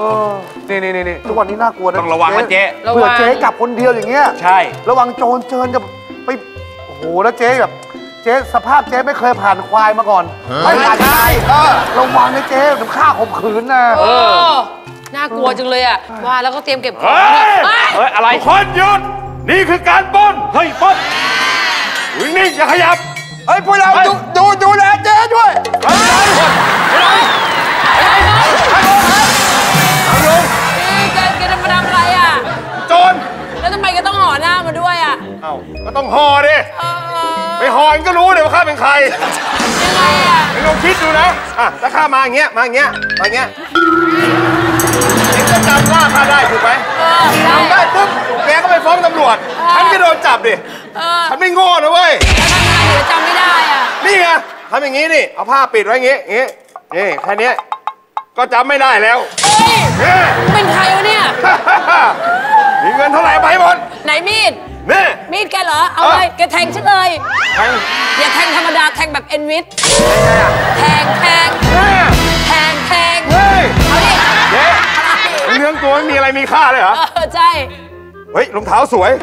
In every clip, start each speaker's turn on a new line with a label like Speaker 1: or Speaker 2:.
Speaker 1: นี่ทุกวันนี้น่ากลัวนะ
Speaker 2: ต้องระวังนะเจ๊
Speaker 1: เผื่อเจ๊กลับคนเดียวอย่างเงี้ย
Speaker 2: ใช่
Speaker 1: ระวังโจรเจิญจะไปโอ้โหแล้วเจ๊แบบเจ๊สภาพเจ๊ไม่เคยผ่านควายมาก่อนไม่ผ่านใครระวังนะเจ๊เดี๋ยวฆ่าข่มขืนนะ
Speaker 3: น่ากลัวจังเลยอ่ะว่าแล้วก็เตรียมเก็บของ
Speaker 2: อะไรคนหยุดนี่คือการปล้นเฮ้ยปล้นนิ่งอย่าขยับ
Speaker 4: เฮ้ยพวกเราดูแลเจ๊ด้วย
Speaker 3: แกจะมาทำอะไรอ่ะ
Speaker 2: โจร
Speaker 3: แล้วทำไมก็ต้องห่อหน้ามาด้วยอ่ะ
Speaker 2: เอ้าก็ต้องห่อดิไม่ห่อก็รู้เลยว่าข้าเป็นใคร
Speaker 3: ยังไงอ่ะ
Speaker 2: ลองคิดดูนะถ้าข้ามาอย่างเงี้ยเองก็จำว่าข้าได้ถูกไหมจำได้ปุ๊บแกก็ไปฟ้องตำรวจฉันก็โดนจับดิฉันไม่โง่นะเว้ย
Speaker 3: ทำไงเดี๋ยวจำไม่ได้อ่ะ
Speaker 2: นี่ไงทำอย่างงี้นี่เอาผ้าปิดไว้อย่างงี้นี่แค่นี้ก็จำไม่ได้แล้ว
Speaker 3: เป็นใครวะเนี่ย
Speaker 2: มีเงินเท่าไหร่ไปหมด
Speaker 3: ไหนมีด
Speaker 2: นี่
Speaker 3: มีดแกเหรอเอาเลยแกแทงฉันเลยอย่าแทงธรรมดาแทงแบบเอ็นวิทแทงเอาดิ
Speaker 2: เรื่องตัวไม่มีอะไรมีค่าเลยเหรอ
Speaker 3: ใช่
Speaker 2: เฮ้ยรองเท้าสวย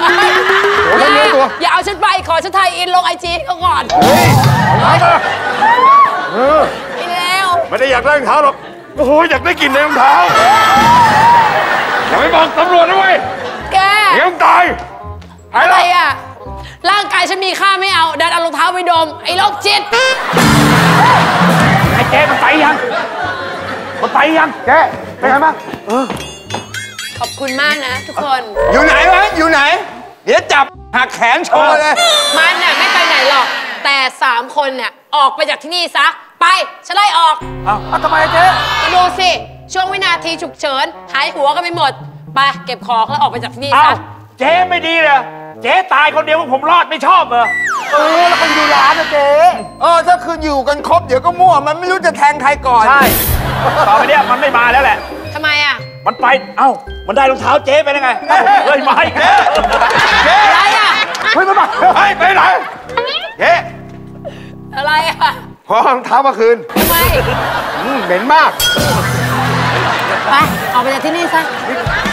Speaker 3: อย่าเอาฉันไปขอฉันไทยอินลงIGเขาก่อน
Speaker 2: เอามา
Speaker 3: อีแล้ว
Speaker 2: ไม่ได้อยากได้รองเท้าหรอกโอ้โหอยากได้กลิ่นในรองเท้าอย่าไปบอกตำรวจนะเว้ย
Speaker 3: แก
Speaker 2: เดี๋ยวตาย
Speaker 3: อะไรอ่ะร่างกายฉันมีค่าไม่เอาดันเอารองเท้าไปดมไอ้โรคจิต
Speaker 2: ไอ้เจ๊มันไปยังเจ๊เป็นไงบ้าง
Speaker 3: ขอบคุณมากนะทุกคน
Speaker 4: อยู่ไหนวะอยู่ไหนเดี๋ยวจับหักแขนโชว์เลย
Speaker 3: มันน่ะไม่ไปไหนหรอกแต่3 คนเนี่ยออกไปจากที่นี่ซะไปฉันไล่ออก
Speaker 1: ทำไมเจ๊
Speaker 3: ก็ดูสิช่วงวินาทีฉุกเฉินหายหัวกันไปหมดไปเก็บของแล้วออกไปจากที่นี่ซะ
Speaker 2: เจ๊ไม่ดีเลยเจ๊ตายคนเดียวผมรอดไม่ชอบเหรอ
Speaker 1: แล้วคนดูร้านนะเจ๊
Speaker 4: ถ้าคืออยู่กันครบเดี๋ยวก็มั่วมันไม่รู้จะแทงใครก่อน
Speaker 2: ใช่ต่อไปเนี้ยมันไม่มาแล้วแหละ
Speaker 3: ทำไมอ่ะ
Speaker 2: มันไปมันได้รองเท้าเจ๊ไปได้ไงเฮ้ยมาอีก
Speaker 3: เจ๊อะไรอ่ะ
Speaker 1: เฮ้ยมา
Speaker 2: ไปไหนเจ๊
Speaker 3: อะไรอ่ะ
Speaker 2: ขอรองเท้ามาคืน
Speaker 3: ทำไม
Speaker 2: เหม็นมาก
Speaker 3: ไปออกไปจากที่นี่ซะ